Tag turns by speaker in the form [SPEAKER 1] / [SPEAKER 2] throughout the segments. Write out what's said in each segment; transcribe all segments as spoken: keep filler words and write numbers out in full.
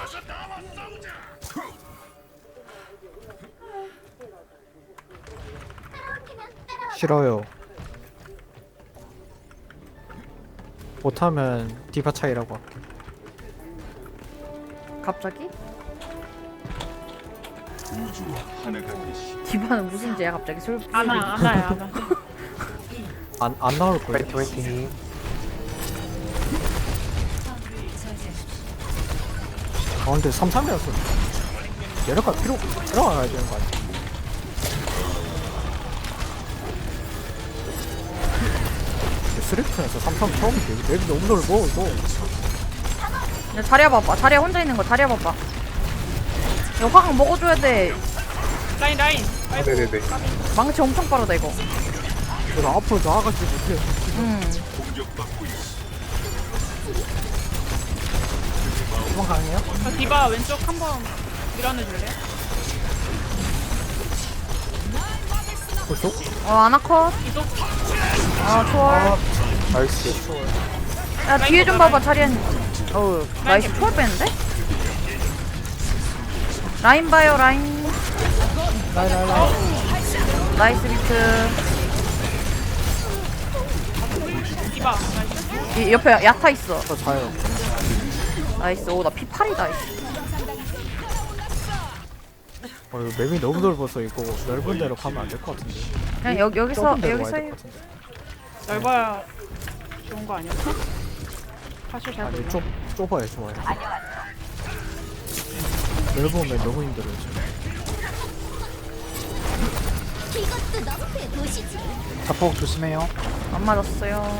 [SPEAKER 1] 싫어요. 못하면 디바 차이라고 할게.
[SPEAKER 2] 갑자기?
[SPEAKER 3] 우주와 하나가 되시.
[SPEAKER 2] 디바는 무슨 죄야 갑자기 술
[SPEAKER 4] 안아 안아야 안아.
[SPEAKER 1] 안, 안 나올 거예요.
[SPEAKER 5] 화이팅 화이팅.
[SPEAKER 1] 아 근데 삼 삼이라서 얘네가 필요 들어가야 되는 거 아니야? 스리프에서 삼 삼 처음인데 맵이 너무 넓어 이거.
[SPEAKER 2] 야, 자리야 봐봐. 자리야 혼자 있는 거 자리야 봐봐. 이거 화강 먹어줘야 돼.
[SPEAKER 4] 라인 라인.
[SPEAKER 5] 아, 네네네.
[SPEAKER 2] 망치 엄청 빠르다 이거.
[SPEAKER 1] 내가 앞으로 나아가지 못해.
[SPEAKER 2] 음.
[SPEAKER 1] 도망가네요?
[SPEAKER 4] 저 디바 왼쪽 한번 밀어내줄래?
[SPEAKER 1] 벌써?
[SPEAKER 2] 어 아나컷.
[SPEAKER 4] 이쪽
[SPEAKER 2] 아 초월.
[SPEAKER 5] 나이스.
[SPEAKER 2] 야 뒤에 좀 봐봐 자리야. 어우 나이스 초월 뺐는데? 라인 봐요 라인.
[SPEAKER 1] 라인 라인 라인.
[SPEAKER 2] 나이스 비트.
[SPEAKER 4] 디바 나이스.
[SPEAKER 2] 이 옆에 야타 있어.
[SPEAKER 1] 저 자요.
[SPEAKER 2] 나이스. 오 나 피 팔이다.
[SPEAKER 1] 어 이거 맵이 너무 넓어서 이거 넓은 데로 가면 안 될 것 같은데.
[SPEAKER 2] 그냥 여, 여기서
[SPEAKER 1] 좁은 데로
[SPEAKER 2] 여기서
[SPEAKER 1] 와야
[SPEAKER 2] 해.
[SPEAKER 1] 될것 같은데.
[SPEAKER 4] 넓어야 좋은 거 아니었어? 사실 잘
[SPEAKER 1] 아니
[SPEAKER 4] 몰라.
[SPEAKER 1] 좁 좁아요 좋아요. 넓으면 너무 힘들어요 지금.
[SPEAKER 6] 이것도 너프의 도시지.
[SPEAKER 5] 자폭 조심해요.
[SPEAKER 2] 안 맞았어요.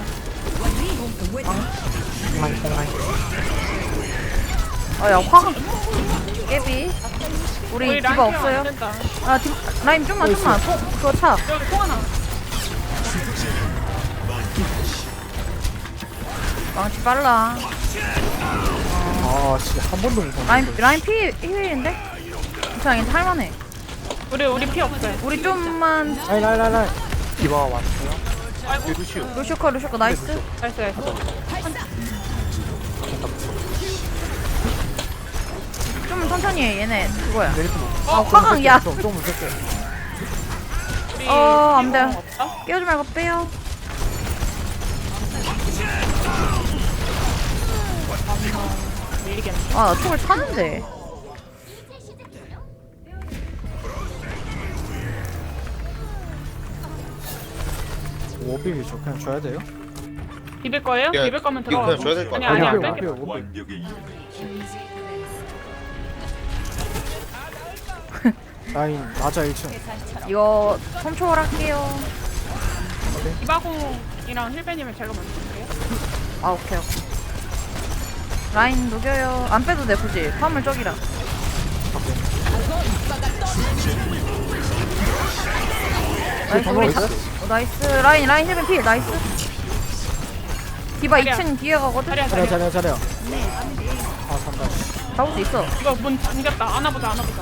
[SPEAKER 5] 뽕라인 뽕라인.
[SPEAKER 2] 아야 화강. 깨비. 우리
[SPEAKER 4] 우리
[SPEAKER 2] 디바
[SPEAKER 4] 라인 케어
[SPEAKER 2] 없어요?
[SPEAKER 4] 안 된다.
[SPEAKER 2] 아 디, 라인 좀만 좀만. 통 그거 차.
[SPEAKER 4] 여기 통 하나.
[SPEAKER 2] 망치 빨라.
[SPEAKER 1] 아 진짜 한 번도 못 봤는데.
[SPEAKER 2] 라인 라인 피 힐인데? 괜찮아 괜찮아 할만해.
[SPEAKER 4] 우리 우리 피 없어요.
[SPEAKER 2] 우리 좀만
[SPEAKER 1] 라인 라인 라인 라인.
[SPEAKER 5] 디바 왔어요.
[SPEAKER 4] 아이고.
[SPEAKER 2] 루시오커 루시오커 나이스.
[SPEAKER 4] 나이스 나이스.
[SPEAKER 2] 좀 천천히 해 얘네 그거야.
[SPEAKER 1] 내리트 못.
[SPEAKER 2] 아 화강 야.
[SPEAKER 1] 좀좀 무섭게.
[SPEAKER 4] 우리
[SPEAKER 2] 어, 안 돼.
[SPEAKER 4] 공 없다?
[SPEAKER 2] 깨우지 말고 빼요.
[SPEAKER 4] 밀리겠네.
[SPEAKER 2] 아나 총을 차는데.
[SPEAKER 1] 오비비 저 그냥 줘야 돼요?
[SPEAKER 4] 비빌 거예요?
[SPEAKER 7] 야,
[SPEAKER 4] 비빌 거면
[SPEAKER 7] 이거
[SPEAKER 4] 들어가.
[SPEAKER 7] 그냥 줘야 될것
[SPEAKER 4] 아니
[SPEAKER 7] 같아.
[SPEAKER 4] 아니 안
[SPEAKER 1] 오비비,
[SPEAKER 4] 뺄게.
[SPEAKER 1] 오비비, 오비비.
[SPEAKER 3] 완벽의 이름에
[SPEAKER 1] 라인 맞아 일 층.
[SPEAKER 2] 이거 컴초월 할게요.
[SPEAKER 4] 디바공이랑 힐베님을 제가 먼저 볼게요.
[SPEAKER 2] 아 오케이 오케이. 라인 녹여요. 안 빼도 돼 굳이. 화물 쪽이라. 나이스 우리 다, 어, 나이스 라인 라인 힐벤 필 나이스. 디바
[SPEAKER 4] 자리야.
[SPEAKER 2] 이 층 뒤에 가거든.
[SPEAKER 4] 자리야
[SPEAKER 1] 잘해
[SPEAKER 4] 자리야.
[SPEAKER 1] 잘해 잘해. 아 산다.
[SPEAKER 2] 잡을 수 있어.
[SPEAKER 4] 이거 문 잠겼다. 안아보자 안아보자.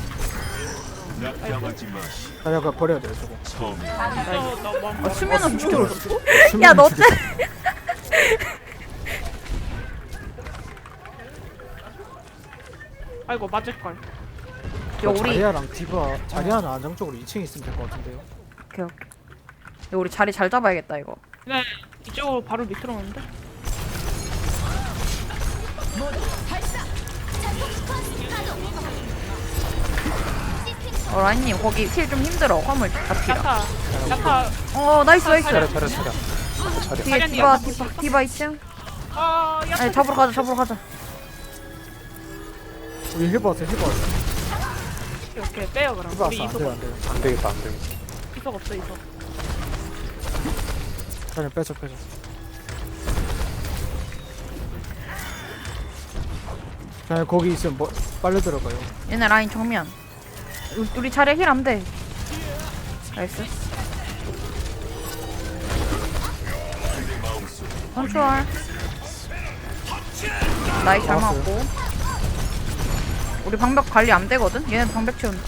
[SPEAKER 3] 낙담하지 마시.
[SPEAKER 1] 자리가 버려야 돼요 저거.
[SPEAKER 3] 처음
[SPEAKER 4] 너너 뭐.
[SPEAKER 2] 아, 수면은
[SPEAKER 1] 죽여.
[SPEAKER 2] 죽여. 야너 때.
[SPEAKER 4] 아이고 맞을 걸.
[SPEAKER 2] 야 우리
[SPEAKER 1] 자리아랑 디바 자리아는 안정적으로 이 층에 있으면 될 것 같은데요.
[SPEAKER 2] 오케이 오케이. 야 우리 자리 잘 잡아야겠다 이거.
[SPEAKER 4] 네 이쪽으로 바로 밑으로 오는데.
[SPEAKER 2] 어 라인님 거기 힐 좀 힘들어. 화물 잡기라.
[SPEAKER 4] 야타 야타.
[SPEAKER 2] 어 나이스 나이스.
[SPEAKER 5] 차려 차려 차려. 차려.
[SPEAKER 2] 뒤에 디바 디바 디바 이 층.
[SPEAKER 4] 아 야타.
[SPEAKER 2] 아니 잡으러 가자 잡으러 가자.
[SPEAKER 1] 우리 힐 봤어 힐 봤어.
[SPEAKER 4] 오케이, 오케이 빼요 그럼.
[SPEAKER 1] 힐
[SPEAKER 4] 우리
[SPEAKER 1] 봤어 안
[SPEAKER 4] 이속
[SPEAKER 1] 돼요 안 돼요.
[SPEAKER 5] 안 되겠다 안 되겠다.
[SPEAKER 4] 이속 없어 이속.
[SPEAKER 1] 자리 빼줘 빼줘. 그냥 거기 있으면 뭐 빨리 들어가요.
[SPEAKER 2] 얘네 라인 정면. 우- 우리 차례 힐 안 돼. 나이스. 컨트롤. 나이 잘
[SPEAKER 1] 나왔어요.
[SPEAKER 2] 맞고. 우리 방벽 관리 안 되거든? 얘네 방벽 채운다.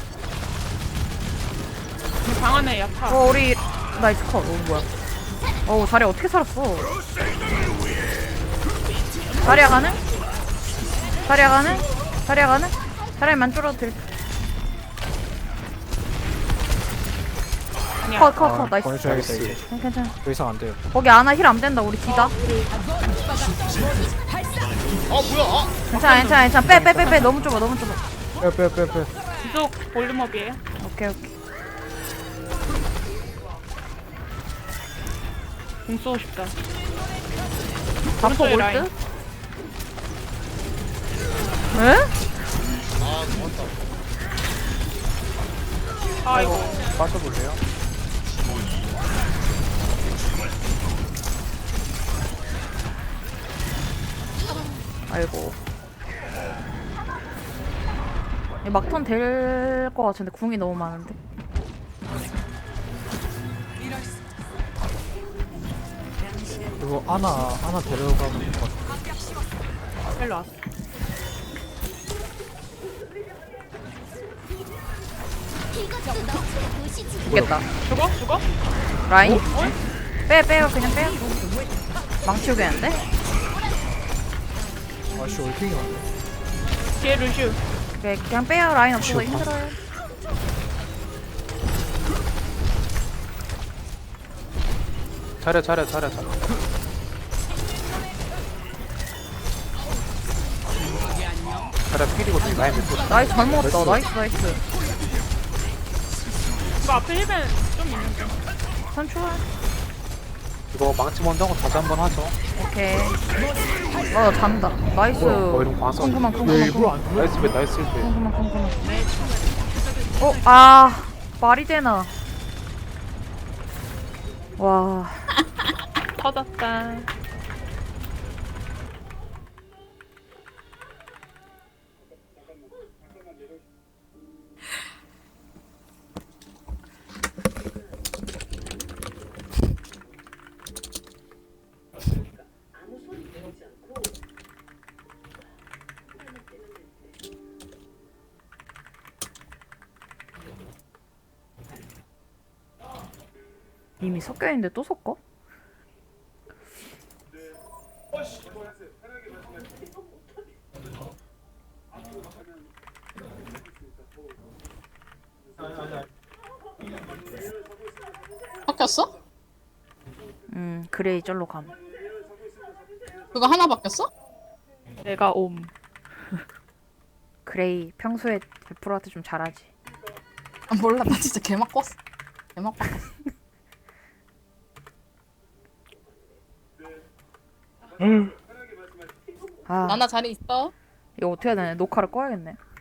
[SPEAKER 4] 우리 방 안에 야타.
[SPEAKER 2] 어, 우리 나이스 컷. 어, 뭐야. 어우, 자리 어떻게 살았어? 자리야 가는? 자리야 가는? 자리야 가는? 자리만 줄어도 될.
[SPEAKER 4] 아니야.
[SPEAKER 2] 컷, 컷,
[SPEAKER 1] 아,
[SPEAKER 2] 컷. 나이스.
[SPEAKER 1] 보내줘야겠다 이제.
[SPEAKER 2] 응, 괜찮아.
[SPEAKER 1] 더 이상 안 돼요.
[SPEAKER 2] 거기 아나 힐 안 된다. 우리 뒤다.
[SPEAKER 7] 아 뭐야? 아,
[SPEAKER 2] 괜찮아, 괜찮아, 괜찮아. 빼, 빼, 빼, 빼. 너무 좁아, 너무 좁아.
[SPEAKER 1] 빼 빼 빼빼.
[SPEAKER 4] 계속 볼륨업이에요.
[SPEAKER 2] 오케이, 오케이.
[SPEAKER 4] 공 쏘고 싶다.
[SPEAKER 2] 바포
[SPEAKER 4] 오른쪽에
[SPEAKER 2] 올
[SPEAKER 4] 라인.
[SPEAKER 2] 듯? 에?
[SPEAKER 7] 아 좋았다.
[SPEAKER 4] 아이고.
[SPEAKER 5] 빠져볼래요?
[SPEAKER 2] 아이고. 이 막턴 될 것 같은데 궁이 너무 많은데.
[SPEAKER 1] 이거 아나 아나 데려가면 될 것 같아.
[SPEAKER 4] 일로 왔어.
[SPEAKER 6] 이것도 너프의 도시지.
[SPEAKER 2] 죽겠다.
[SPEAKER 4] 죽어? 죽어?
[SPEAKER 2] 라인? 빼, 빼요. 그냥 빼요. 망치 오겠는데?
[SPEAKER 1] 아씨 올킹이 왔네.
[SPEAKER 4] 뒤에 루슈.
[SPEAKER 2] 오케이, 그냥 빼요. 라인 없어서
[SPEAKER 1] 쉬워.
[SPEAKER 2] 힘들어요.
[SPEAKER 5] 차려 차려 차려 차려. 차려 필이거든. 라인 몇 번.
[SPEAKER 2] 나이스, 잘 먹었다. 나이스, 나이스.
[SPEAKER 4] 이거 앞에 힐벤 좀 있는데.
[SPEAKER 2] 선추월.
[SPEAKER 5] 이거 망치 먼저 하고 다시 한번 하죠.
[SPEAKER 2] 오케이. 어, 잔다. 나이스.
[SPEAKER 5] 뭐 이런 거 와서.
[SPEAKER 2] 궁금한,
[SPEAKER 1] 왜
[SPEAKER 2] 궁금한,
[SPEAKER 1] 일부러
[SPEAKER 2] 궁금한.
[SPEAKER 1] 안
[SPEAKER 5] 나이스 배 나이스 배.
[SPEAKER 2] 궁금한, 궁금한. 어, 아. 말이 되나. 와.
[SPEAKER 4] 터졌다.
[SPEAKER 2] 이미 섞여있는데 또 섞어?
[SPEAKER 8] 바뀌었어?
[SPEAKER 2] 음, 그레이 절로 감.
[SPEAKER 8] 그거 하나 바뀌었어?
[SPEAKER 4] 내가 옴.
[SPEAKER 2] 그레이 평소에 벨프로한테 좀 잘하지.
[SPEAKER 8] 아, 몰라, 나 진짜 개막 꿨어. 개막 바꿨어.
[SPEAKER 2] 아,
[SPEAKER 8] 나나 자리 있어?
[SPEAKER 2] 이거 어떻게 해야 되냐? 녹화를 꺼야겠네.